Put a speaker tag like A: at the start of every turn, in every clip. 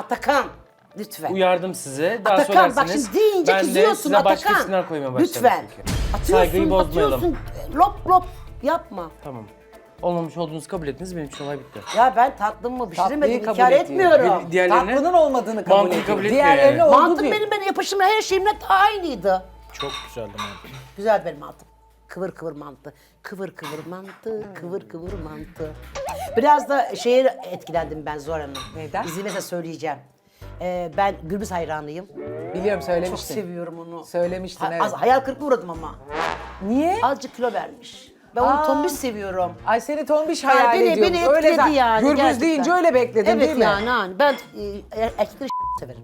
A: Atakan. Lütfen.
B: Uyardım sizi. Daha
A: Atakan bak
B: söylersiniz.
A: şimdi deyince
B: Ben de
A: kızıyorsun
B: size başka
A: Atakan.
B: isimler koymaya başladım.
A: Lütfen.
B: çünkü.
A: Atıyorsun,
B: Saygıyı bozmayalım.
A: atıyorsun. Lop lop yapma.
B: Tamam. Olmamış olduğunuzu kabul ettiniz. Benim için olay bitti.
A: Ya ben tatlımı
C: Tatlıyı
A: pişiremedim,
C: kabul
A: inkar
C: ediyor.
A: etmiyorum.
B: Diğerlerine
C: Tatlının olmadığını kabul
B: Mantıyı
C: ediyor.
B: kabul etmiyor
C: Diğerlerine
B: yani.
C: oldu
A: Mantım
C: diyor.
A: benim yapışımla her şeyimle aynıydı.
D: Çok güzeldi mantı.
A: Güzel benim mantım. Kıvır kıvır mantı. Kıvır kıvır mantı. Kıvır kıvır mantı. Biraz da şeye etkilendim ben Zuhal Hanım.
C: Neyden?
A: İzin verirse söyleyeceğim. Ben Gürbüz hayranıyım.
C: Biliyorum
A: Çok
C: söylemiştin.
A: seviyorum onu.
C: Söylemiştin, evet.
A: Az hayal kırıklığı uğradım ama.
C: Niye?
A: Azıcık kilo vermiş. Ben onu tombiş seviyorum.
C: Ay seni tombiş
A: Yani
C: hayal
A: beni
C: ediyormuş.
A: etkiledi
C: Öyle zaten.
A: yani.
C: Gürbüz
A: gerçekten.
C: deyince öyle bekledin
A: evet,
C: değil mi?
A: Evet yani. Ben erkekleri severim.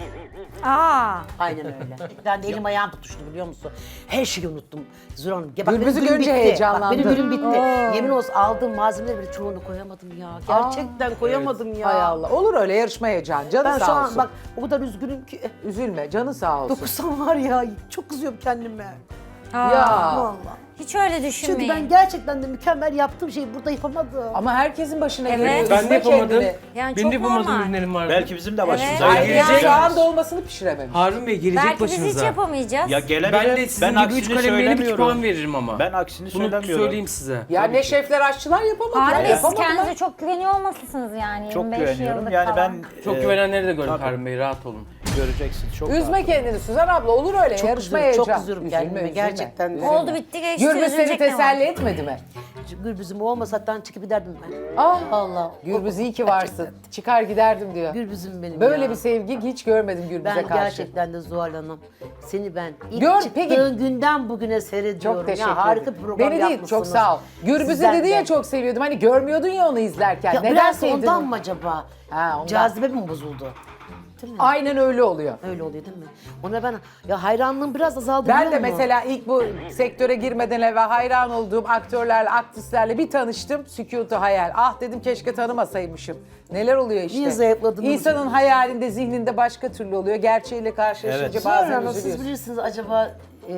E: Aa.
A: Aynen öyle. Ben de elim ayağım tutuştu biliyor musun? Her şeyi unuttum. Zura Hanım. Bak,
C: Gürbüz'ü
A: benim günüm
C: görünce
A: bitti.
C: heyecanlandın.
A: Bak, benim günüm bitti. Yemin olsun aldığım malzemeleri bile çoğunu koyamadım ya. Gerçekten koyamadım ya.
C: Hay Allah. Olur öyle yarışma heyecanı. Canı
A: Ben şu
C: sağ
A: an
C: olsun.
A: bak o kadar üzgünüm ki.
C: Üzülme. Canı sağ olsun.
A: Dokusam var ya çok kızıyorum kendime.
C: Ya.
A: Vallahi.
E: Hiç öyle
A: Çünkü
E: düşünmeyin.
A: ben gerçekten de mükemmel yaptığım şeyi burada yapamadım.
C: Ama herkesin başına
E: Evet.
C: geliyor.
B: Ben de
C: Üzme
B: yapamadım.
C: kendini.
E: Yani
B: Benim de
E: çok
B: yapamadığım
E: normal.
B: ürünlerim vardı.
D: Belki bizim de başımıza
E: Evet.
D: gelecek.
C: Yani soğan dolmasını pişirememiş.
B: Harun Bey gelecek
E: Belki biz hiç
B: başınıza.
E: yapamayacağız.
D: Ya gelebilir.
B: Ben de sizin gibi 3 kalem verip 2 puan veririm ama.
D: Ben aksini
B: Bunu
D: söylemiyorum.
B: söyleyeyim size.
C: Ya ne şefler aşçılar yapamadılar.
E: Harun Bey siz
C: yapamadılar.
E: kendinize çok güveniyor olmalısınız yani.
D: Çok
E: 25
D: güveniyorum.
E: yıllık
D: Yani
E: falan.
D: ben
B: Çok güvenenleri de gördüm
D: tabii.
B: Harun Bey, rahat olun.
D: göreceksin. Çok
C: Üzme
D: rahat.
C: kendini Suzan abla, olur öyle.
A: Çok
C: Yarışma
A: kızıyorum, çok
C: heyecan.
A: kızıyorum
C: Üzülme,
A: kendime,
C: üzülme.
A: gerçekten.
C: Üzülme.
E: Oldu bitti geçti.
C: Gürbüz seni
E: üzülecek ne var?
C: teselli etmedi mi?
A: Gürbüzüm olmasa hatta çıkıp giderdim ben.
C: Ah,
A: Allah.
C: Gürbüz iyi ki varsın. Çıkar giderdim diyor.
A: Gürbüzüm benim
C: Böyle
A: ya.
C: bir sevgi hiç görmedim Gürbüz'e
A: Ben
C: karşı.
A: gerçekten de Zuhal Hanım, seni ben ilk
C: Gör,
A: çıktığın
C: peki.
A: günden bugüne seyrediyorum.
C: Çok teşekkür
A: ya, harika
C: ederim.
A: bir program
C: Beni değil,
A: yapmışsınız.
C: çok sağ ol. Gürbüz'ü
A: Sizden
C: dedi ya
A: de.
C: çok seviyordum. Hani görmüyordun ya onu izlerken.
A: Ya
C: Neden
A: biraz
C: sevdin?
A: ondan mı acaba?
C: Ha, ondan.
A: Cazibe mi bozuldu? Değil mi?
C: Aynen öyle oluyor.
A: Öyle oluyor değil mi? Ona ben ya hayranlığım biraz azaldı
C: Ben
A: biliyor
C: de
A: musun?
C: mesela ilk bu sektöre girmeden evvel hayran olduğum aktörlerle, aktrislerle bir tanıştım. Sükutu hayal. Ah dedim keşke tanımasaymışım. Neler oluyor işte.
A: Niye zayıfladınız?
C: İnsanın hayalinde, zihninde başka türlü oluyor. Gerçeğiyle karşılaşınca
D: Evet.
C: bazen
A: Sonra siz
C: üzülüyorsun.
A: bilirsiniz acaba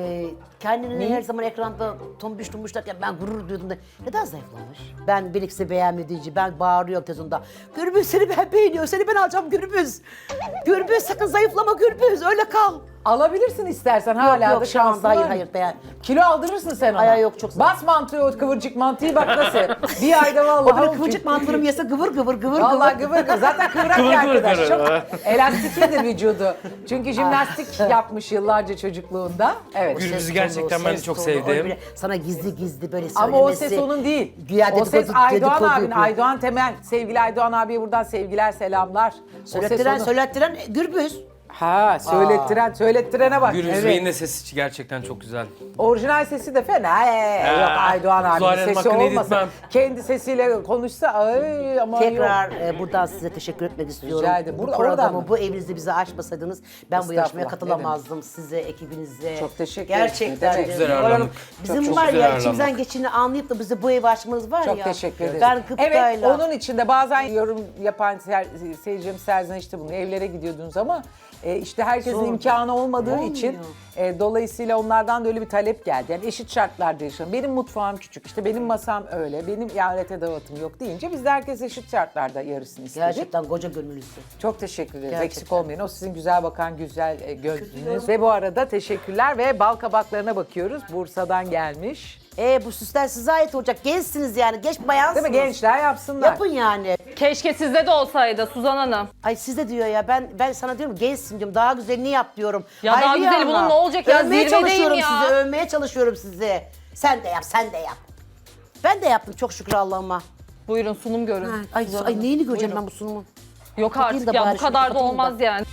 A: kendini her zaman ekranda tombiş tombiş derken ben gurur duyduğumda neden zayıflamış? Ben birlikte beğenmediğince ben bağırıyorum televizyonda. Gürbüz seni ben beğeniyorum, seni ben alacağım Gürbüz. Gürbüz sakın zayıflama Gürbüz, öyle kal.
C: Alabilirsin istersen hala
A: yok
C: da
A: şu anda
C: şansın
A: hayır
C: var.
A: hayır beğen.
C: Kilo aldırırsın sen ona.
A: Ay, yok, çok zor.
C: Bas mantığı o kıvırcık mantıyı bak nasıl. Bir ayda vallahi.
A: O böyle kıvırcık mantarımı yese gıvır gıvır gıvır
C: Vallahi
A: gıvır.
C: gıvır gıvır. Zaten kıvrak
B: Kıvır
C: bir
B: kıvır
C: arkadaş.
B: kıvır.
C: Çok elastiklidir vücudu. Çünkü jimnastik yapmış yıllarca çocukluğunda. Evet.
B: Gürbüz'ü
A: Ses tonu,
B: gerçekten ben de
A: ses
B: çok
A: tonu,
B: sevdim.
A: öyle sana gizli gizli böyle söylemesi.
C: Ama o ses onun değil.
A: Güya
C: O ses
A: dedikodu-
C: Aydoğan
A: dedikodu
C: abinin.
A: yapıyor.
C: Aydoğan Temel. Sevgili Aydoğan abiye buradan sevgiler, selamlar. O ses
A: Söylettiren,
C: onun.
A: söylettiren Gürbüz.
C: Ha, söylettirene bak.
B: Gürbüz
C: Evet.
B: Bey'in de sesi gerçekten çok güzel.
C: Orijinal sesi de fena. Yok Aydoğan
B: Zuhal
C: abinin
B: Hanım
C: sesi
B: hakkını
C: olmasa.
B: yedirtmem.
C: Kendi sesiyle konuşsa ay ama yok.
A: Tekrar buradan size teşekkür etmek istiyorum.
C: Rica ederim.
A: Bu
C: Burada- oradan
A: programı,
C: mı?
A: bu evinizde bize açmasaydınız ben bu yarışmaya
C: Estağfurullah,
A: katılamazdım. Size, ekibinize.
C: Çok teşekkür ederim.
A: Gerçekten.
C: Çok
B: güzel
A: Zuhal
B: ağırladık.
A: Hanım, Bizim
B: Çok
A: var
B: güzel
A: ya
B: ağırladık.
A: içimizden geçini anlayıp da bize bu evi açmanız var
C: Çok
A: ya.
C: teşekkür ederim.
A: Ben gıptayla.
C: Evet, onun için de bazen yorum yapan seyircim serzenişte bunu evlere gidiyordunuz ama işte herkesin
A: Zor.
C: imkanı olmadığı
A: Olmuyor.
C: için dolayısıyla onlardan da öyle bir talep geldi. Yani eşit şartlarda yaşıyorum. Benim mutfağım küçük, işte benim masam öyle, benim ihalete dağıtım yok deyince biz de herkes eşit şartlarda yarısını istedik.
A: Gerçekten koca gönüllüsü.
C: Çok teşekkür ederiz.
A: Gerçekten.
C: Eksik olmayın. O sizin güzel bakan güzel gözünüz. Ve bu arada teşekkürler ve bal kabaklarına bakıyoruz. Bursa'dan gelmiş.
A: Bu süsler size ait olacak. Gençsiniz yani. Genç bayansınız.
C: Değil mi? Gençler yapsınlar.
A: Yapın yani.
F: Keşke sizde de olsaydı Suzan Hanım.
A: Ay size diyor ya ben sana diyorum gençsin diyorum daha güzelini yap diyorum.
F: Ya daha
A: Hayriye
F: güzeli bunun
A: Hanım,
F: ne olacak ya?
A: Övmeye
F: Zirvedeyim
A: çalışıyorum
F: ya.
A: sizi, övmeye çalışıyorum sizi. Sen de yap, sen de yap. Ben de yaptım çok şükür Allah'ıma.
F: Buyurun sunum görün.
A: Ay,
F: Suzan
A: ay
F: Hanım.
A: neyini göreceğim
F: Buyurun.
A: ben bu sunumun?
F: Yok
A: Bakayım
F: artık
A: da
F: ya
A: bari
F: bu
A: şunu
F: kadar da
A: kapatayım da.
F: olmaz yani.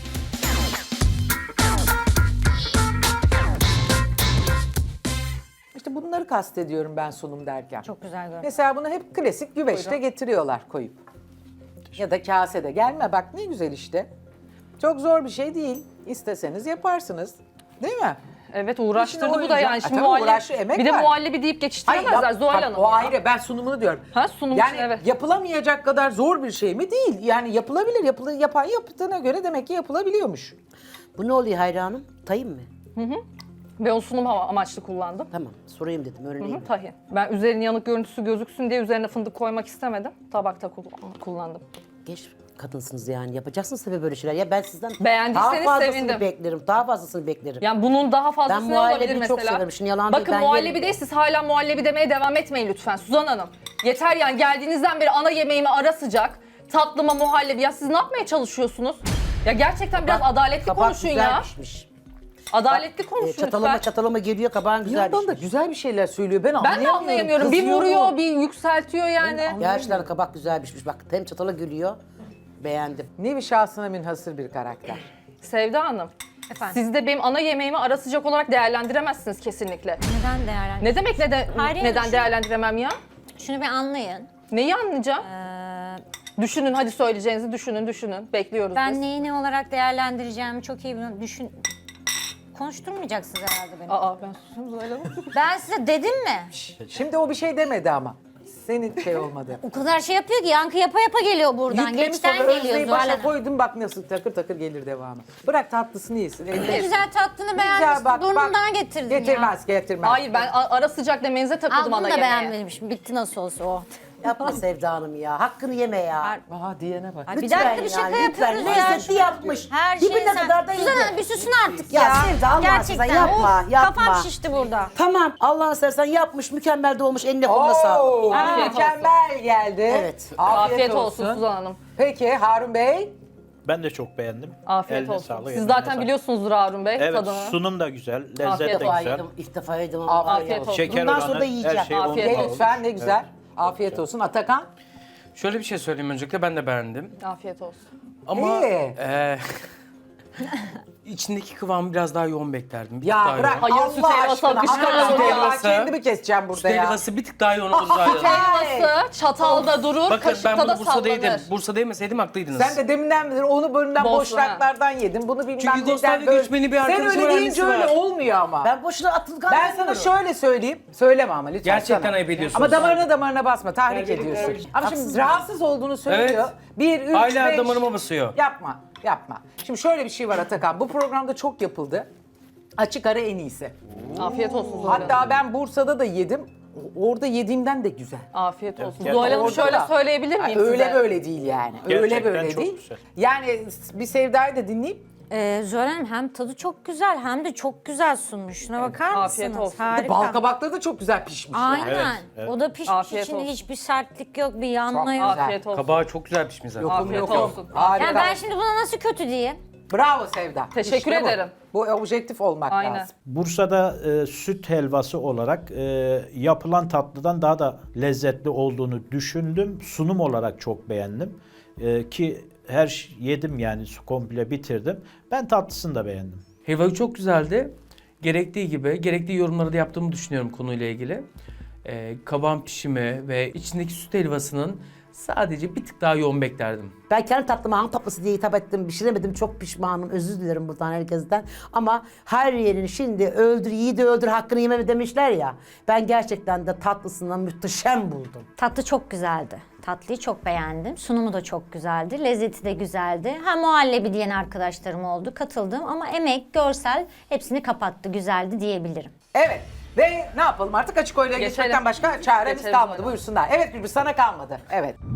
C: İşte bunları kastediyorum ben sunum derken.
E: Çok güzel görünüyor.
C: Mesela bunu hep klasik güveçte getiriyorlar koyup. Ya da kasede. Gelme bak ne güzel işte. Çok zor bir şey değil. İsteseniz yaparsınız. Değil mi?
F: Evet uğraştırdı
C: İşte o
F: bu da yani.
C: yüzden-
F: Şimdi
C: tabii
F: muhallebi,
C: uğraştı, emek
F: bir de
C: var.
F: muhallebi deyip geçiştiremezler
C: yap-
F: Zuhal
C: bak,
F: Hanım.
C: o
F: ya.
C: ayrı. Ben sunumunu diyorum.
F: Ha, sunum
C: yani
F: için, evet.
C: yapılamayacak kadar zor bir şey mi? Değil. Yani yapılabilir. Yapan yaptığına göre demek ki yapılabiliyormuş.
A: Bu ne oluyor hayranım? Tayin mi?
F: Ben o sunum amaçlı kullandım.
A: Tamam sorayım dedim öğreneyim.
F: Tahin. Ben üzerine yanık görüntüsü gözüksün diye üzerine fındık koymak istemedim. Tabakta kullandım.
A: Geç kadınsınız yani. Yapacaksınız tabii böyle şeyler. Ya ben sizden
F: Beğendiyseniz
A: daha fazlasını
F: sevindim.
A: beklerim. Daha fazlasını beklerim.
F: Yani bunun daha
A: Ben
F: fazlası ne olabilir
A: muhallebiyi
F: mesela?
A: çok severim. Şimdi yalan değil,
F: Bakın
A: ben
F: muhallebi
A: yerim.
F: değil, siz hala muhallebi demeye devam etmeyin lütfen Suzan Hanım. Yeter yani, geldiğinizden beri ana yemeğime ara sıcak, tatlıma muhallebi. Ya siz ne yapmaya çalışıyorsunuz? Ya gerçekten biraz adaletli
A: Kabak
F: konuşun
A: güzel
F: ya.
A: pişmiş.
F: Adaletli konuşun
A: Çatalıma
F: lütfen.
A: çatalıma geliyor, kabağın
C: Bir
A: güzel
C: yandan da
A: pişmiş.
C: güzel bir şeyler söylüyor. Ben
F: Ben de
C: anlayamıyorum.
F: anlayamıyorum. Bir
C: Kızıyor
F: vuruyor,
C: mu?
F: bir yükseltiyor yani.
A: Gerçekten kabak güzel pişmiş. Bak hem çatala gülüyor. Beğendim.
C: Nevi şahsına münhasır bir karakter.
F: Sevda Hanım,
E: Efendim?
F: siz de benim ana yemeğimi ara sıcak olarak değerlendiremezsiniz kesinlikle.
E: Neden değerlendir?
F: Ne demek
E: Hayır,
F: neden
E: yani
F: değerlendiremem ya?
E: Şunu bir anlayın.
F: Neyi anlayacağım? Düşünün, hadi söyleyeceğinizi düşünün. Bekliyoruz
E: Ben
F: biz.
E: neyi ne olarak değerlendireceğimi çok iyi biliyorum. Konuşturmayacaksınız herhalde beni.
F: Aa, ben susayım Zuhal Hanım.
E: Ben size dedim mi?
C: Şimdi o bir şey demedi ama. Senin şey olmadı.
E: O kadar şey yapıyor ki yankı yapa yapa geliyor buradan.
C: Yüklemiş
E: Geçten
C: sonra
E: geliyor
C: özneyi
E: Zuhal
C: başa
E: Hanım.
C: koydum, bak nasıl takır takır gelir devamı. Bırak tatlısını yesin.
E: Ne
C: Elde.
E: güzel tatlını
C: Güzel,
E: beğenmişsin.
C: bak,
E: Burnundan
C: bak.
E: getirdin ya.
C: Getirmez.
F: Hayır, ben ara sıcak demenize takıldım
E: Al
F: ana
E: bunu da
F: yemeğe.
E: beğenmemişim. Bitti nasıl olsa o.
A: Yapma Sevda Hanım ya. Hakkını yeme ya.
C: Aa diyene bak.
E: Ay, bir
A: Lütfen
E: dakika bir şaka
A: yani, lütfen.
E: yapıyoruz ya.
A: Lezzetli yapmış.
E: Her
A: Dibine
E: şey
A: kadar da
E: Suzan
A: yedi.
E: Hanım bir susun artık
A: Ya
E: ya.
A: Sevda, Allah
E: Gerçekten.
A: aşkına yapma,
E: Of,
A: yapma.
E: Kafam şişti burada.
A: Tamam. Allah'ını seversen yapmış. Mükemmel de olmuş. Eline koluna sağlık.
C: Oo,
F: Afiyet
C: mükemmel geldi.
A: Evet.
F: Afiyet olsun Suzan Hanım.
C: Peki Harun Bey?
D: Ben de çok beğendim.
F: Afiyet
D: Eline
F: olsun.
D: sağlık,
F: Siz
D: eline
F: zaten
D: sağlık.
F: biliyorsunuzdur Harun Bey
D: Evet,
F: tadını.
D: sunum da güzel, lezzet
F: Afiyet
D: de
A: İlk defa
D: güzel.
A: yedim. İlk defa yedim ama.
F: Afiyet olsun.
D: Şeker
A: Bundan
D: oranı,
A: sonra da yiyeceğim.
D: her şey
F: Afiyet
D: on
F: olsun.
C: Lütfen ne güzel. Afiyet olsun. Atakan?
B: Şöyle bir şey söyleyeyim öncelikle, ben de beğendim.
F: Afiyet olsun.
B: Ama
C: İyi.
B: içindeki kıvamı biraz daha yoğun beklerdim. Bir tık
C: Ya
B: daha
C: bırak
B: yoğun.
F: Hayır, süt
C: Allah
F: helvası
C: aşkına.
F: akışkan
C: Süt
F: olur ya.
C: helvası. Kendimi keseceğim burada
B: Süt
C: ya.
B: helvası bir tık daha yoğun olur zaten.
F: Helvası çatalda durur,
B: Bakın ben
F: kaşıkta da
B: bunu Bursa'da yedim.
F: sallanır.
B: Bursa'da yemeseydim haklıydınız.
C: Sen de deminden beri onu bölümden
F: Bosna.
C: boşluklardan yedin. Bunu bilmem
B: Çünkü
C: neden
B: Yugoslavya
C: böyle.
B: göçmeni bir
C: Sen
B: arkadaşımın
C: öyle deyince
B: annesi
C: öyle
B: var.
C: olmuyor ama.
A: Ben boşuna atılgan
C: Ben sana
A: demiyorum.
C: şöyle söyleyeyim. Söyleme ama lütfen.
B: Gerçekten
C: sana.
B: ayıp ediyorsun.
C: Ama damarına basma. Tahrik
B: Gerçekten
C: ediyorsun.
B: öyle.
C: Ama şimdi rahatsız olduğunu söylüyor.
B: Evet.
C: 1, 3, 5.
B: Hala damarıma basıyor.
C: Yapma. Şimdi şöyle bir şey var Atakan. Bu programda çok yapıldı. Açık ara en iyisi.
F: Afiyet olsun Zuhal Hanım.
C: Hatta ben Bursa'da da yedim. Orada yediğimden de güzel.
F: Afiyet olsun.
D: Evet,
F: Zuhal Hanım
C: Orada
F: şöyle
C: da.
F: söyleyebilir miyim
C: Öyle
F: size?
C: böyle değil yani. Öyle
D: Gerçekten
C: böyle
D: çok
C: değil.
D: güzel.
C: Yani bir Sevda'yı da dinleyip
E: Zuhal Hanım hem tadı çok güzel hem de çok güzel sunmuş. Şuna bakar mısınız?
F: Afiyet olsun.
E: Harika.
C: bal kabakları da çok güzel pişmiş. yani.
E: Aynen.
D: Evet, evet.
E: O da pişmiş.
F: Afiyet
E: İçinde
F: olsun.
E: hiçbir sertlik yok, bir yanma
C: Çok
E: yok.
C: güzel.
F: Afiyet olsun.
B: Kabağı çok güzel pişmiş zaten.
F: Afiyet
C: Yok, yok.
F: olsun.
C: Harika.
E: Yani ben şimdi buna nasıl kötü diyeyim?
C: Bravo Sevda.
F: Teşekkür
C: İşte bu.
F: ederim.
C: Bu objektif olmak
F: Aynen.
C: lazım.
D: Bursa'da süt helvası olarak yapılan tatlıdan daha da lezzetli olduğunu düşündüm. Sunum olarak çok beğendim. Ki yedim yani komple bitirdim. Ben tatlısını da beğendim.
B: Helva çok güzeldi. Gerektiği gibi, gerektiği yorumları da yaptığımı düşünüyorum konuyla ilgili. Kabağın pişimi ve içindeki süt helvasının sadece bir tık daha yoğun beklerdim.
A: Ben kendi tatlıma hangi tatlısı diye hitap ettim, pişiremedim. Çok pişmanım. Özür dilerim buradan herkesten. Ama her yerini şimdi öldür, yiğidi öldür, hakkını yeme demişler ya. Ben gerçekten de tatlısından muhteşem buldum.
E: Tatlı çok güzeldi. Tatlıyı çok beğendim. Sunumu da çok güzeldi. Lezzeti de güzeldi. Ha muhallebi diyen arkadaşlarım oldu. Katıldım ama emek, görsel hepsini kapattı. Güzeldi diyebilirim.
C: Evet. Ve ne yapalım artık açık oyla
F: Geçelim.
C: geçmekten başka çaremiz
F: Geçelim
C: kalmadı.
F: hadi.
C: Buyursunlar. Evet Gülbü sana kalmadı. Evet.